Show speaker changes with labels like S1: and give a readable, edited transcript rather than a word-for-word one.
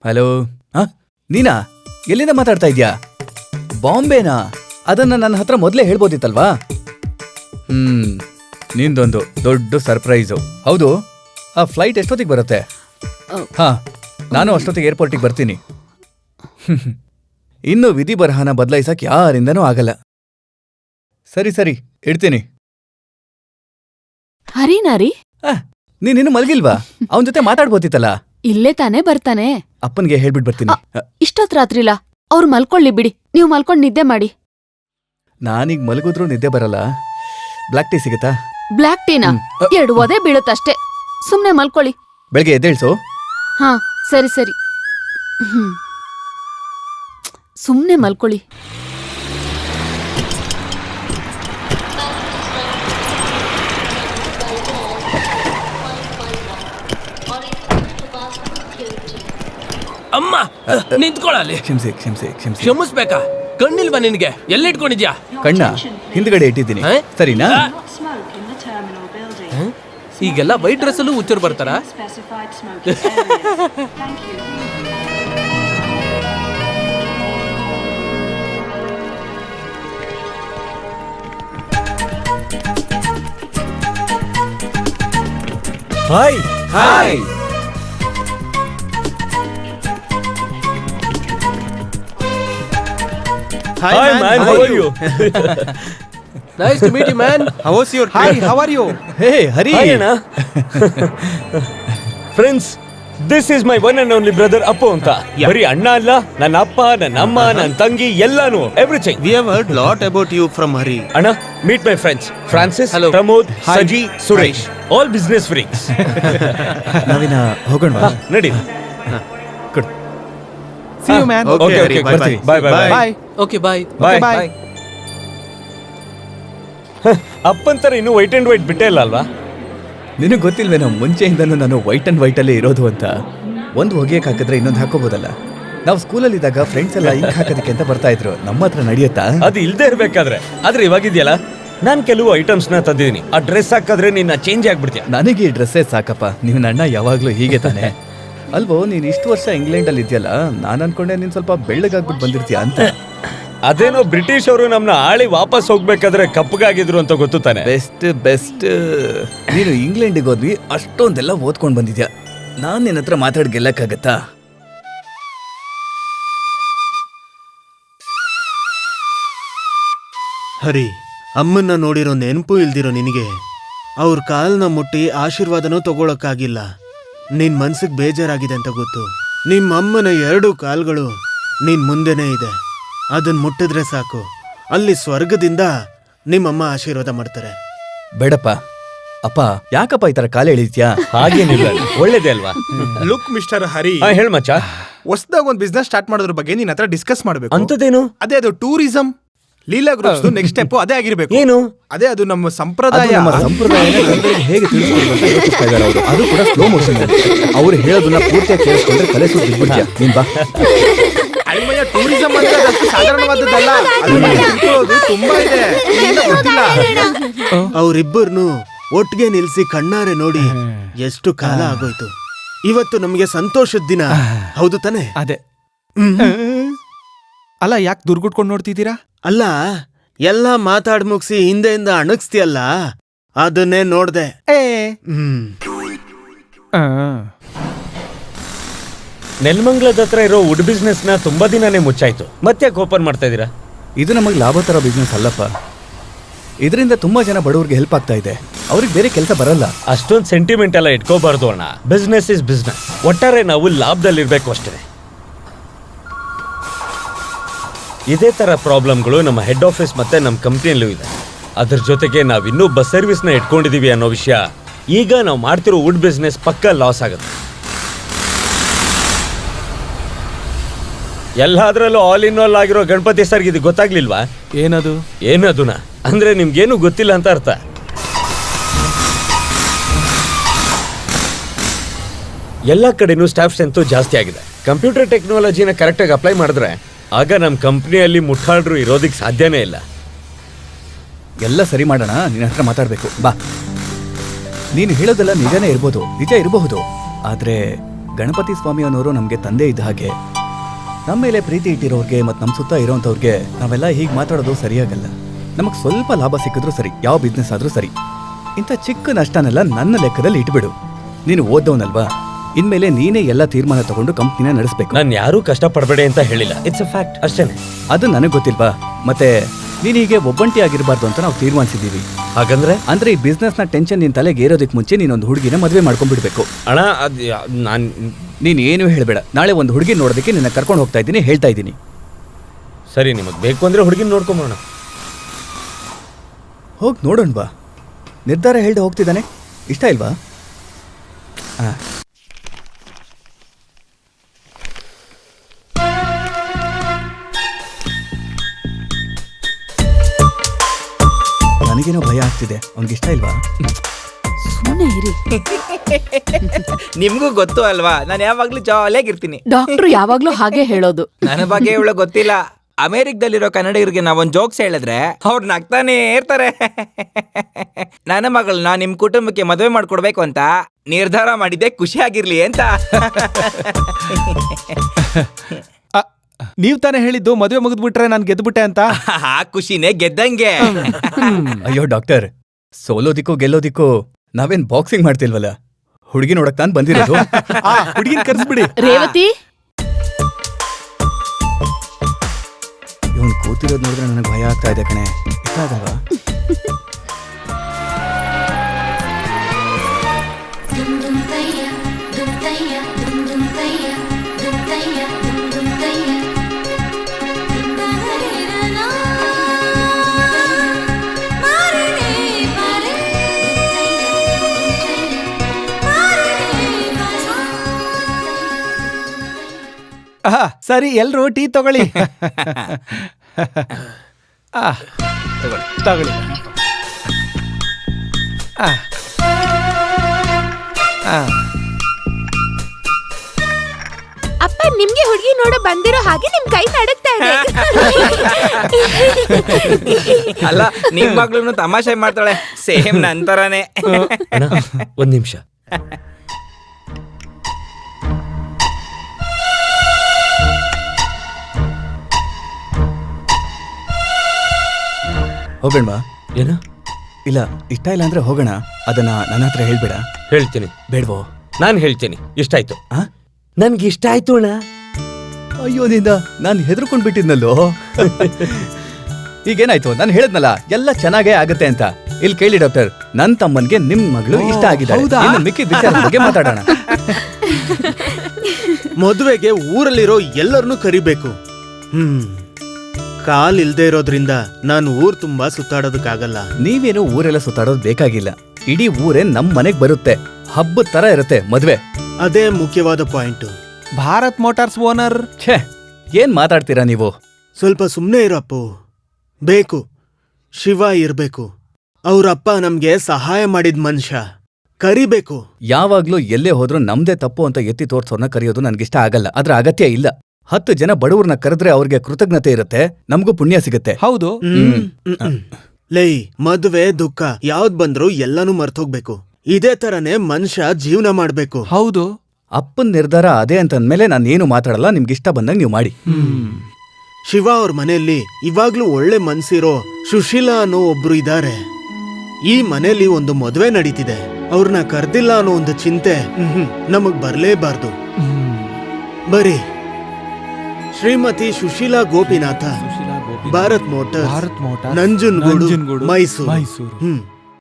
S1: Hello. ನೀನಾ? ಎಲ್ಲಿಂದ ಮಾತಾಡ್ತಾ ಇದ್ಯಾ? ಬಾಂಬೆನಾ? ಅದನ್ನ ನನ್ನ ಹತ್ರ ಮೊದಲೇ ಹೇಳ್ಬೋದಿತ್ತಲ್ವಾ? ನಿಂದೊಂದು ದೊಡ್ಡ ಸರ್ಪ್ರೈಸು. ಹೌದು, ಆ ಫ್ಲೈಟ್ ಎಷ್ಟೊತ್ತಿಗೆ ಬರುತ್ತೆ? ನಾನು ಅಷ್ಟೊತ್ತಿಗೆ ಏರ್ಪೋರ್ಟಿಗೆ ಬರ್ತೀನಿ. ಇನ್ನು ವಿಧಿ ಬರಹನ ಬದಲಾಯಿಸಕ್ ಯಾರಿಂದನೂ ಆಗಲ್ಲ. ಸರಿ ಸರಿ, ಇಡ್ತೀನಿ.
S2: ಹರಿನಾರಿ,
S1: ನೀನಿನ್ನು ಮಲ್ಗಿಲ್ವಾ? ಅವನ ಜೊತೆ ಮಾತಾಡ್ಬೋದಿತ್ತಲ್ಲ.
S2: ಇಲ್ಲೇ ತಾನೇ ಬರ್ತಾನೆ.
S1: ಅಪ್ಪನ್ಗೆ ಹೇಳ್ಬಿಟ್ಟು ಬರ್ತೀನಿ.
S2: ಇಷ್ಟೊತ್ ರಾತ್ರಿಲ್ಲ, ಅವ್ರು ಮಲ್ಕೊಳ್ಳಿ ಬಿಡಿ. ನೀವು ಮಲ್ಕೊಂಡ್ ನಿದ್ದೆ ಮಾಡಿ.
S1: ನಾನೀಗ ಮಲಗಿದ್ರೂ ನಿದ್ದೆ ಬರಲ್ಲ. ಬ್ಲ್ಯಾಕ್ ಟೀ ಸಿಗುತ್ತಾ?
S2: ಬ್ಲ್ಯಾಕ್ ಟೀನಾ? 2 ಒದೆ ಬೀಳುತ್ತಷ್ಟೇ. ಸುಮ್ನೆ ಮಲ್ಕೊಳ್ಳಿ.
S1: ಬೆಳಗ್ಗೆ ಎದ್ದೇಳ್ಸು.
S2: ಹಾ, ಸರಿ ಸರಿ. ಸುಮ್ನೆ ಮಲ್ಕೊಳ್ಳಿ.
S3: ಅಮ್ಮ ನಿಂತ್ಕೊಳ್ಳಲಿ.
S1: ಕ್ಷಮಿಸಿ ಕ್ಷಮಿಸಿ ಕ್ಷಮಿಸಿ.
S3: ಕ್ಷಮಿಸ್ಬೇಕಾ? ಕಣ್ಣಿಲ್ವಾ ನಿನ್ಗೆ? ಎಲ್ಲಿಟ್ಕೊಂಡಿದ್ಯಾ?
S1: ಕಣ್ಣ ಹಿಂದ್ಗಡೆ ಇಟ್ಟಿದ್ದೀನಿ. ಸರಿನಾ?
S3: ಈಗೆಲ್ಲ ವೈಟ್ ಡ್ರೆಸ್ ಅಲ್ಲೂ ಹುಚ್ಚರು ಬರ್ತಾರ?
S4: Hi
S1: hi.
S4: Hi man, how are you?
S3: Nice to meet you, man.
S4: How was your trip? Hi, how are you?
S1: Hey, Hari.
S4: Hi, Anna. Friends, this is my one and only brother Appu anta. Bari anna alla, ನನ್ನ ಅಪ್ಪ, ನನ್ನ ಅಮ್ಮ, ನನ್ನ ತಂಗಿ ಎಲ್ಲಾನು, everything.
S5: We have heard lot about you from Hari.
S4: Anna, meet my friends. Francis,
S3: Hello.
S4: Pramod, Saji, Suresh. All business freaks.
S1: ನಾವಿನ ಹೋಗೋಣ.
S4: ನಡಿ.
S1: Good.
S5: See you man.
S4: Okay, ಬರ್ತೀವಿ. Bye.
S3: Okay, bye.
S4: Bye. ಅಪ್ಪಂತರ ಇನ್ನು ವೈಟ್ ಅಂಡ್ ವೈಟ್ ಬಿಟ್ಟೇ ಇಲ್ಲ ಅಲ್ವಾ?
S1: ನಿನಗೆ ಗೊತ್ತಿಲ್ವೇನೋ, ಮುಂಚೆಯಿಂದನೂ ನಾನು white and white ಅಲ್ಲೇ ಇರೋದು ಅಂತ. ಒಂದು ಹೊಗೆಯಕ್ಕೆ ಹಾಕಿದ್ರೆ ಇನ್ನೊಂದು ಹಾಕೋಬೋದಲ್ಲ. ನಾವು ಸ್ಕೂಲಲ್ಲಿ ಇದ್ದಾಗ ಫ್ರೆಂಡ್ಸ್ ಎಲ್ಲ ಇಂಕ್ ಹಾಕೋದಕ್ಕೆ ಅಂತ ಬರ್ತಾ ಇದ್ರು. ನಮ್ಮ ಹತ್ರ ನಡೆಯುತ್ತಾ?
S4: ಅದು ಇಲ್ದೇ ಇರ್ಬೇಕಾದ್ರೆ. ಆದ್ರೆ ಇವಾಗಿದೆಯಲ್ಲ, ನಾನ್ ಕೆಲವು ಐಟಮ್ಸ್ ನ ತಂದಿದ್ದೀನಿ. ಆ ಡ್ರೆಸ್ ಹಾಕಿದ್ರೆ ನಿನ್ನ ಚೇಂಜ್ ಆಗ್ಬಿಡ್ತೀಯ.
S1: ನನಗೆ ಈ ಡ್ರೆಸ್ಸೇ ಸಾಕಪ್ಪ. ನೀವು ಅಣ್ಣ ಯಾವಾಗ್ಲೂ ಹೀಗೆ ತಾನೆ ಅಲ್ವೋ? ನೀನ್ ಇಷ್ಟು ವರ್ಷ ಇಂಗ್ಲೆಂಡ್ ಅಲ್ಲಿ ಇದೆಯಲ್ಲ, ನಾನು ಅನ್ಕೊಂಡೆ ನೀನ್ ಸ್ವಲ್ಪ ಬೆಳ್ಳಗಾಗ್ಬಿಟ್ಟು ಬಂದಿರ್ತೀಯ ಅಂತ.
S4: ಅದೇನೋ ಬ್ರಿಟಿಷ್ ಅವರು ನಮ್ನ ಆಳಿ ವಾಪಸ್ ಹೋಗ್ಬೇಕಾದ್ರೆ ಕಪ್ಪಗಾಗಿದ್ರು ಅಂತ ಗೊತ್ತು ತಾನೆ.
S1: ಬೆಸ್ಟ್. ನೀನು ಇಂಗ್ಲೆಂಡಿಗೆ ಹೋದ್ವಿ, ಅಷ್ಟೊಂದೆಲ್ಲ ಓದ್ಕೊಂಡ್ ಬಂದಿದ್ಯಾ. ನಾನ್ ನಿನ್ನ ಹತ್ರ ಮಾತಾಡ್ ಗೆಲ್ಲಕ್ಕಾಗತ್ತಾ?
S5: ಹರಿ, ಅಮ್ಮನ್ನ ನೋಡಿರೋ ನೆನಪು ಇಲ್ದಿರೋ ನಿನಗೆ ಅವ್ರ ಕಾಲ್ನ ಮುಟ್ಟಿ ಆಶೀರ್ವಾದನೂ ತಗೊಳಕ್ಕಾಗಿಲ್ಲ. ನಿನ್ ಮನ್ಸಿಗೆ ಬೇಜಾರಾಗಿದೆ ಅಂತ ಗೊತ್ತು. ನಿಮ್ಮ ಅಮ್ಮನ 2 ಕಾಲ್ಗಳು ನಿನ್ ಮುಂದೆನೇ ಇದೆ. ಅದನ್ನ ಮುಟ್ಟಿದ್ರೆ ಸಾಕು, ಅಲ್ಲಿ ಸ್ವರ್ಗದಿಂದ ನಿಮ್ಮಮ್ಮ ಆಶೀರ್ವಾದ ಮಾಡ್ತಾರೆ.
S1: ಬೇಡಪ್ಪ. ಅಪ್ಪ, ಯಾಕಪ್ಪ ಈ ತರ ಕಾಲ ಎಳಿತ್ಯಾ?
S4: ಹಾಗೇನಿಲ್ಲ, ಒಳ್ಳೇದೇ ಅಲ್ವಾ?
S6: ಲುಕ್ ಮಿಸ್ಟರ್ ಹರಿ,
S4: ಹೇಳ್ ಮಚ್ಚ.
S6: ಹೊಸದಾಗ ಒಂದು ಬಿಸ್ನೆಸ್ ಸ್ಟಾರ್ಟ್ ಮಾಡೋದ್ರ ಬಗ್ಗೆ ನಿನ್ನ ಹತ್ರ ಡಿಸ್ಕಸ್ ಮಾಡಬೇಕು.
S4: ಅಂತದೇನು?
S6: ಅದೇ ಅದು tourism. Leela groups next step ಅದೇ ಆಗಿರ್ಬೇಕು.
S4: ಏನು?
S6: ಅದೇ ಅದು ನಮ್ಮ ಸಂಪ್ರದಾಯ.
S1: ಹೇಗೆ ತಿಳಿಸ್ಕೊಡ್ಬೇಕು ಅಂತ ಯೋಚಿಸ್ತಾ ಇದ್ದಾರೆ ಅವರು. ಅದು ಕೂಡ ಸ್ಲೋ ಮೋಷನ್. ಅವ್ರು ಹೇಳೋದನ್ನ ಪೂರ್ತಿಯಾಗಿ ಕೇಳಿಸ್ಕೊಂಡ್ರೆ ಕಲೆ ಸುದ್ದಿ ಬಿಡ್ತೀಯ ನೀನ್. ಬಾ.
S6: ಅಲ್ಮಯ್ಯ, ಟೂರಿಸಂ ಅಂದ್ರೆ ಅದಷ್ಟು ಸಾಧಾರಣವಾದದ್ದಲ್ಲ. ಅದನ್ನ ತಿಳ್ಕೊಳ್ಳೋದು ತುಂಬಾ ಇದೆ. ಗೊತ್ತಿಲ್ಲ.
S5: ಅವ್ರಿಬ್ಬರನ್ನು ಒಟ್ಟಿಗೆ ನಿಲ್ಸಿ ಕಣ್ಣಾರೆ ನೋಡಿ ಎಷ್ಟು ಕಾಲ ಆಗೋಯ್ತು. ಇವತ್ತು ನಮಗೆ ಸಂತೋಷದ ದಿನ, ಹೌದು ತಾನೆ?
S6: ಅದೇ. ಅಲ್ಲ, ಯಾಕೆ ದುರ್ಗುಟ್ಕೊಂಡು ನೋಡ್ತಿದ್ದೀರಾ?
S5: ಅಲ್ಲ, ಎಲ್ಲ ಮಾತಾಡ್ ಮುಗಿಸಿ ಹಿಂದೆಯಿಂದ ಅಣಗಿಸ್ತಿಯಲ್ಲ, ಅದನ್ನೇ ನೋಡ್ದೆ.
S4: ನೆಲಮಂಗಲದ ಹತ್ರ ಇರೋ ವುಡ್ ಬಿಸ್ನೆಸ್ ನ ತುಂಬಾ ದಿನಾನೇ ಮುಚ್ಚಾಯ್ತು. ಮತ್ತೆ ಓಪನ್ ಮಾಡ್ತಾ ಇದೀರಾ?
S1: ಇದು ನಮಗೆ ಲಾಭ ತರ ಬಿಸ್ನೆಸ್ ಅಲ್ಲಪ್ಪ. ಇದರಿಂದ ತುಂಬಾ ಜನ ಬಡವರಿಗೆ ಹೆಲ್ಪ್ ಆಗ್ತಾ ಇದೆ. ಅವ್ರಿಗೆ ಬೇರೆ ಕೆಲಸ ಬರಲ್ಲ.
S4: ಅಷ್ಟೊಂದು ಸೆಂಟಿಮೆಂಟ್ ಎಲ್ಲ ಇಟ್ಕೋಬಾರ್ದು ಅಣ್ಣ. Business is business. ಒಟ್ಟಾರೆ ನಾವು ಲಾಭದಲ್ಲಿರ್ಬೇಕು ಅಷ್ಟೇ. ಇದೇ ತರ ಪ್ರಾಬ್ಲಮ್ಗಳು ನಮ್ಮ ಹೆಡ್ ಆಫೀಸ್ ಮತ್ತೆ ನಮ್ಮ ಕಂಪ್ನಿಯಲ್ಲೂ ಇದೆ. ಅದ್ರ ಜೊತೆಗೆ ನಾವಿನ್ನೂ ಬಸ್ ಸರ್ವಿಸ್ ನ ಇಟ್ಕೊಂಡಿದೀವಿ ಅನ್ನೋ ವಿಷಯ. ಈಗ ನಾವು ಮಾಡ್ತಿರೋ ವುಡ್ ಬಿಸ್ನೆಸ್ ಪಕ್ಕ ಲಾಸ್ ಆಗುತ್ತೆ. ಎಲ್ಲಾದ್ರಲ್ಲೂ ಆಲ್ ಇನ್ ಆಲ್ ಆಗಿರೋ ಗಣಪತಿ ಸರ್ಗೆ ಇದು ಗೊತ್ತಾಗ್ಲಿಲ್ವಾ? ಏನದುನಾ ಅಂದ್ರೆ ನಿಮ್ಗೇನು ಗೊತ್ತಿಲ್ಲ ಅಂತ ಅರ್ಥ. ಎಲ್ಲ ಕಡೆನೂ ಸ್ಟಾಫ್ ಸ್ಟ್ರೆಂತ್ ಜಾಸ್ತಿ ಆಗಿದೆ. ಕಂಪ್ಯೂಟರ್ ಟೆಕ್ನಾಲಜಿನ ಕರೆಕ್ಟಾಗಿ ಅಪ್ಲೈ ಮಾಡಿದ್ರೆ ಆಗ ನಮ್ಮ ಕಂಪ್ನಿಯಲ್ಲಿ ಮುಟ್ಟಾಡ್ರು ಇರೋದಕ್ಕೆ ಸಾಧ್ಯನೇ ಇಲ್ಲ.
S1: ಎಲ್ಲ ಸರಿ ಮಾಡೋಣ. ನಿನ್ನ ಹತ್ರ ಮಾತಾಡ್ಬೇಕು. ಬಾ. ನೀನು ಹೇಳೋದೆಲ್ಲ ನಿಜನೇ ಇರ್ಬೋದು, ನಿಜ ಇರಬಹುದು. ಆದ್ರೆ ಗಣಪತಿ ಸ್ವಾಮಿ ಅನ್ನೋರು ನಮಗೆ ತಂದೆ ಇದ್ದ ಹಾಗೆ. ನಮ್ಮ ಮೇಲೆ ಪ್ರೀತಿ ಇಟ್ಟಿರೋರ್ಗೆ ಮತ್ತು ನಮ್ಮ ಸುತ್ತ ಇರೋಂಥವ್ರಿಗೆ ನಾವೆಲ್ಲ ಹೀಗೆ ಮಾತಾಡೋದು ಸರಿಯಾಗಲ್ಲ. ನಮಗೆ ಸ್ವಲ್ಪ ಲಾಭ ಸಿಕ್ಕಿದ್ರೂ ಸರಿ, ಯಾವ ಬಿಸ್ನೆಸ್ ಆದರೂ ಸರಿ. ಇಂಥ ಚಿಕ್ಕ ನಷ್ಟನೆಲ್ಲ ನನ್ನ ಲೆಕ್ಕದಲ್ಲಿ ಇಟ್ಬಿಡು. ನೀನು ಓದ್ದವನಲ್ವಾ, ಇನ್ಮೇಲೆ ನೀನೇ ಎಲ್ಲ ತೀರ್ಮಾನ ತಗೊಂಡು ಕಂಪ್ನಿನ ನಡೆಸಬೇಕು.
S4: ನಾನು ಯಾರೂ ಕಷ್ಟ ಪಡಬೇಡಿ ಅಂತ ಹೇಳಿಲ್ಲ, ಇಟ್ಸ್ ಅ ಫ್ಯಾಕ್ಟ್ ಅಷ್ಟೇನೆ.
S1: ಅದು ನನಗೆ ಗೊತ್ತಿಲ್ವಾ? ಮತ್ತೆ ನೀನು ಹೀಗೆ ಒಬ್ಬಂಟಿ ಆಗಿರಬಾರ್ದು ಅಂತ ನಾವು ತೀರ್ಮಾನಿಸಿದ್ದೀವಿ.
S4: ಹಾಗಂದ್ರೆ
S1: ಅಂದ್ರೆ ಈ ಬಿಸ್ನೆಸ್ನ ಟೆನ್ಷನ್ ನಿನ್ನ ತಲೆಗೆ ಏರೋದಕ್ಕೆ ಮುಂಚೆ ನೀನೊಂದು ಹುಡುಗಿನ ಮದುವೆ ಮಾಡ್ಕೊಂಡ್ಬಿಡ್ಬೇಕು.
S4: ಅಣ್ಣ ನಾನು
S1: ನೀನು ಏನು ಹೇಳಬೇಡ. ನಾಳೆ ಒಂದು ಹುಡುಗಿ ನೋಡೋದಕ್ಕೆ ನಿನ್ನ ಕರ್ಕೊಂಡು ಹೋಗ್ತಾ ಇದ್ದೀನಿ, ಹೇಳ್ತಾ ಇದ್ದೀನಿ.
S4: ಸರಿ, ನಿಮಗೆ ಬೇಕು ಅಂದ್ರೆ ಹುಡುಗಿನ ನೋಡ್ಕೊಂಬೋಣ.
S1: ಹೋಗಿ ನೋಡೋಣ ಬಾ. ನಿರ್ಧಾರ ಹೇಳ್ದೆ ಹೋಗ್ತಿದ್ದಾನೆ, ಇಷ್ಟ ಇಲ್ವಾ? ಹಾಂ, ನನಗೇನೋ ಭಯ ಆಗ್ತಿದೆ. ಅವ್ನಿಗೆ ಇಷ್ಟ ಇಲ್ವಾ?
S2: ಸುಮ್ಮನೆ ಇರಿ.
S7: ನಿಮ್ಗೂ ಗೊತ್ತು ಅಲ್ವಾ, ನಾನು ಯಾವಾಗ್ಲೂ ಜಾಲಿಯಾಗಿರ್ತೀನಿ.
S2: ಡಾಕ್ಟ್ರು ಯಾವಾಗ್ಲೂ ಹಾಗೆ ಹೇಳೋದು.
S7: ನನ್ನ ಬಗ್ಗೆ ಇವಳು ಗೊತ್ತಿಲ್ಲ. ಅಮೆರಿಕದಲ್ಲಿರೋ ಕನ್ನಡಿಗರಿಗೆ ನಾವೊಂದ್ ಜೋಕ್ಸ್ ಹೇಳಿದ್ರೆ ಅವ್ರು ನಗ್ತಾನೆ ಇರ್ತಾರೆ. ನನ್ನ ಮಗಳನ್ನ ನಿಮ್ ಕುಟುಂಬಕ್ಕೆ ಮದುವೆ ಮಾಡ್ಕೊಡ್ಬೇಕು ಅಂತ ನಿರ್ಧಾರ ಮಾಡಿದ್ದೆ, ಖುಷಿಯಾಗಿರ್ಲಿ ಅಂತ.
S6: ನೀವ್ ತಾನೇ ಹೇಳಿದ್ದು ಮದುವೆ ಮುಗಿದ್ಬಿಟ್ರೆ ನಾನು ಗೆದ್ಬಿಟ್ಟೆ ಅಂತ.
S7: ಆ ಖುಷಿನೇ ಗೆದ್ದಂಗೆ.
S1: ಅಯ್ಯೋ ಡಾಕ್ಟರ್, ಸೋಲೋದಿಕ್ಕೂ ಗೆಲ್ಲೋದಿಕ್ಕೂ ನಾವೇನ್ ಬಾಕ್ಸಿಂಗ್ ಮಾಡ್ತಿಲ್ವಲ್ಲ, ಹುಡುಗಿ ನೋಡಕ್ ತಾನು ಬಂದಿರೋದು.
S6: ಹುಡುಗಿನ ಕರ್ಸ್ಬಿಡಿ.
S2: ರೇವತಿ,
S1: ಇವನ್ ಕೂತಿರೋದು ನೋಡಿದ್ರೆ ನನಗೆ ಭಯ ಆಗ್ತಾ ಇದೆ ಕಣೆ. ಇಷ್ಟ ಆಗಲ್ವಾ?
S6: ಸರಿ, ಎಲ್ರು ಟೀ ತಗೊಳ್ಳಿ. ತಗೊಳ್ಳಿ.
S2: ಅಪ್ಪ ನಿಮ್ಗೆ ಹುಡುಗಿ ನೋಡ ಬಂದಿರೋ ಹಾಗೆ ನಿಮ್ ಕೈ ನಡುಗ್ತಾ ಇದೆ.
S7: ಅಲ್ಲ, ನಿಮ್ ಮಗಳು ತಮಾಷೆ ಮಾಡ್ತಾಳೆ, ಸೇಮ್ ನಂತರನೇ.
S4: ಅಣ್ಣ, ಒಂದ್ ನಿಮಿಷ.
S1: ಹೋಗೋಣ.
S4: ಏನ?
S1: ಇಲ್ಲ, ಇಷ್ಟ ಇಲ್ಲ ಅಂದ್ರೆ ಹೋಗೋಣ. ಅದನ್ನ ನನ್ನ ಹತ್ರ ಹೇಳ್ಬೇಡ.
S4: ಹೇಳ್ತೀನಿ.
S1: ಬೇಡ್ವೋ?
S4: ನಾನು ಹೇಳ್ತೀನಿ. ಇಷ್ಟ ಆಯ್ತು.
S1: ಆ?
S4: ನನ್ಗೆ ಇಷ್ಟ ಆಯ್ತು ಅಣ್ಣ.
S1: ಅಯ್ಯೋ ನಿಂದ ನಾನು ಹೆದರ್ಕೊಂಡ್ ಬಿಟ್ಟಿದ್ನಲ್ಲೋ. ಈಗೇನಾಯ್ತು? ನಾನು ಹೇಳದ್ನಲ್ಲ ಎಲ್ಲ ಚೆನ್ನಾಗೇ ಆಗತ್ತೆ ಅಂತ. ಇಲ್ಲಿ ಕೇಳಿ ಡಾಕ್ಟರ್, ನನ್ ತಮ್ಮನ್ಗೆ ನಿಮ್ ಮಗಳು ಇಷ್ಟ ಆಗಿದ್ದಾಳೆ. ಇನ್ನು ಮಿಕ್ಕಿದ ವಿಚಾರದ ಬಗ್ಗೆ ಮಾತಾಡೋಣ.
S5: ಮದುವೆಗೆ ಊರಲ್ಲಿರೋ ಎಲ್ಲರನ್ನೂ ಕರಿಬೇಕು. ಕಾಲ್ ಇಲ್ದೇ ಇರೋದ್ರಿಂದ ನಾನು ಊರ್ ತುಂಬಾ ಸುತ್ತಾಡೋದಕ್ಕಾಗಲ್ಲ.
S1: ನೀವೇನು ಊರೆಲ್ಲ ಸುತ್ತಾಡೋದು ಬೇಕಾಗಿಲ್ಲ. ಇಡೀ ಊರೇ ನಮ್ ಮನೆಗ್ ಬರುತ್ತೆ. ಹಬ್ಬದ ತರ ಇರುತ್ತೆ ಮದ್ವೆ.
S5: ಅದೇ ಮುಖ್ಯವಾದ ಪಾಯಿಂಟ್.
S6: Bharat motors owner.
S1: ಛೇ, ಏನ್ ಮಾತಾಡ್ತೀರಾ ನೀವು?
S5: ಸ್ವಲ್ಪ ಸುಮ್ನೆ ಇರಪ್ಪು. ಬೇಕು, ಶಿವ ಇರ್ಬೇಕು. ಅವ್ರಪ್ಪ ನಮ್ಗೆ ಸಹಾಯ ಮಾಡಿದ ಮನುಷ್ಯ, ಕರಿಬೇಕು.
S1: ಯಾವಾಗ್ಲೂ ಎಲ್ಲೇ ಹೋದ್ರೂ ನಮ್ದೇ ತಪ್ಪು ಅಂತ ಎತ್ತಿ ತೋರ್ಸೋರ್ನ ಕರೆಯೋದು ನನ್ಗಿಷ್ಟ ಆಗಲ್ಲ. ಅದ್ರ ಅಗತ್ಯ ಇಲ್ಲ. 10 ಜನ ಬಡವ್ರನ್ನ ಕರೆದ್ರೆ ಅವ್ರಿಗೆ ಕೃತಜ್ಞತೆ ಇರುತ್ತೆ, ನಮಗೂ ಪುಣ್ಯ ಸಿಗುತ್ತೆ.
S6: ಹೌದು.
S5: ಲೈ, ಮದುವೆ ದುಃಖ ಯಾವ್ದ್ ಬಂದ್ರು ಎಲ್ಲಾನು ಮರ್ತೋಗ್ಬೇಕು. ಇದೇ ತರನೇ ಮನುಷ್ಯ ಜೀವನ ಮಾಡ್ಬೇಕು.
S6: ಹೌದು.
S1: ಅಪ್ಪನ್ ನಿರ್ಧಾರ ಅದೇ ಅಂತಂದ್ಮೇಲೆ ನಾನೇನು ಮಾತಾಡಲ್ಲ. ನಿಮ್ಗಿಷ್ಟ ಬಂದಂಗ್ ನೀವು ಮಾಡಿ.
S5: ಶಿವ ಅವ್ರ ಮನೆಯಲ್ಲಿ ಇವಾಗ್ಲೂ ಒಳ್ಳೆ ಮನ್ಸಿರೋ ಸುಶೀಲಾ ಅನ್ನೋ ಒಬ್ರು ಇದಾರೆ. ಈ ಮನೆಯಲ್ಲಿ ಒಂದು ಮದುವೆ ನಡೀತಿದೆ. ಅವ್ರನ್ನ ಕರ್ದಿಲ್ಲ ಅನ್ನೋ ಒಂದು ಚಿಂತೆ ನಮಗ್ ಬರ್ಲೇಬಾರ್ದು. ಬರೀ ಶ್ರೀಮತಿ ಸುಶೀಲಾ ಗೋಪಿನಾಥ, ಭಾರತ್ ಮೋಟರ್ಸ್, ನಂಜನಗೂಡು, ಮೈಸೂರು.